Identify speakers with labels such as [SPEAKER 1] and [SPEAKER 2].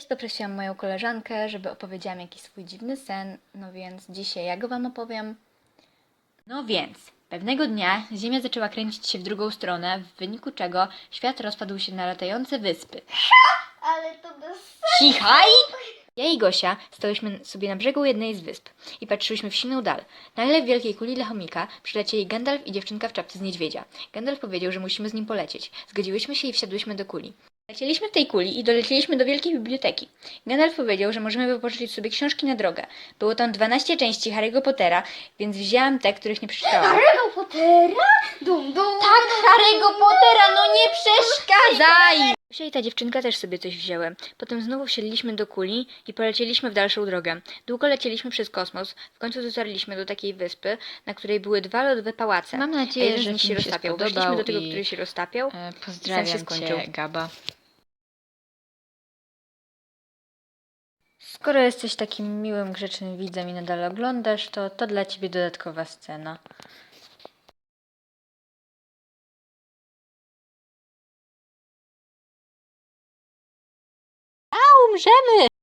[SPEAKER 1] wiecie, poprosiłam moją koleżankę, żeby opowiedziałam jakiś swój dziwny sen, no więc dzisiaj ja go wam opowiem. No więc, pewnego dnia Ziemia zaczęła kręcić się w drugą stronę, w wyniku czego świat rozpadł się na latające wyspy.
[SPEAKER 2] Ale to bez...
[SPEAKER 1] Cichaj! Ja i Gosia stałyśmy sobie na brzegu jednej z wysp i patrzyłyśmy w silną dal. Nagle w wielkiej kuli dla chomika przylecieli Gandalf i dziewczynka w czapce z niedźwiedzia. Gandalf powiedział, że musimy z nim polecieć. Zgodziłyśmy się i wsiadłyśmy do kuli. Lecieliśmy w tej kuli i dolecieliśmy do wielkiej biblioteki. Gandalf powiedział, że możemy wypożyczyć sobie książki na drogę. Było tam 12 części Harry'ego Pottera, więc wzięłam te, których nie przeczytałam.
[SPEAKER 2] Harry'ego Pottera? Dum, dum.
[SPEAKER 1] Tak, Harry'ego Pottera, no nie przeszkadzaj! Gosia i ta dziewczynka też sobie coś wzięły. Potem znowu wsiedliśmy do kuli i polecieliśmy w dalszą drogę. Długo lecieliśmy przez kosmos. W końcu dotarliśmy do takiej wyspy, na której były 2 lodowe pałace.
[SPEAKER 3] Mam
[SPEAKER 1] A
[SPEAKER 3] nadzieję,
[SPEAKER 1] jeden z
[SPEAKER 3] że
[SPEAKER 1] nich się
[SPEAKER 3] film się
[SPEAKER 1] roztapiał.
[SPEAKER 3] spodobał
[SPEAKER 1] Weszliśmy do tego,
[SPEAKER 3] i,
[SPEAKER 1] który się roztapiał. Sen się
[SPEAKER 3] Pozdrawiam
[SPEAKER 1] skończył.
[SPEAKER 3] cię, Gaba.
[SPEAKER 1] Skoro jesteś takim miłym, grzecznym widzem i nadal oglądasz, to dla ciebie dodatkowa scena.
[SPEAKER 3] Umrzemy!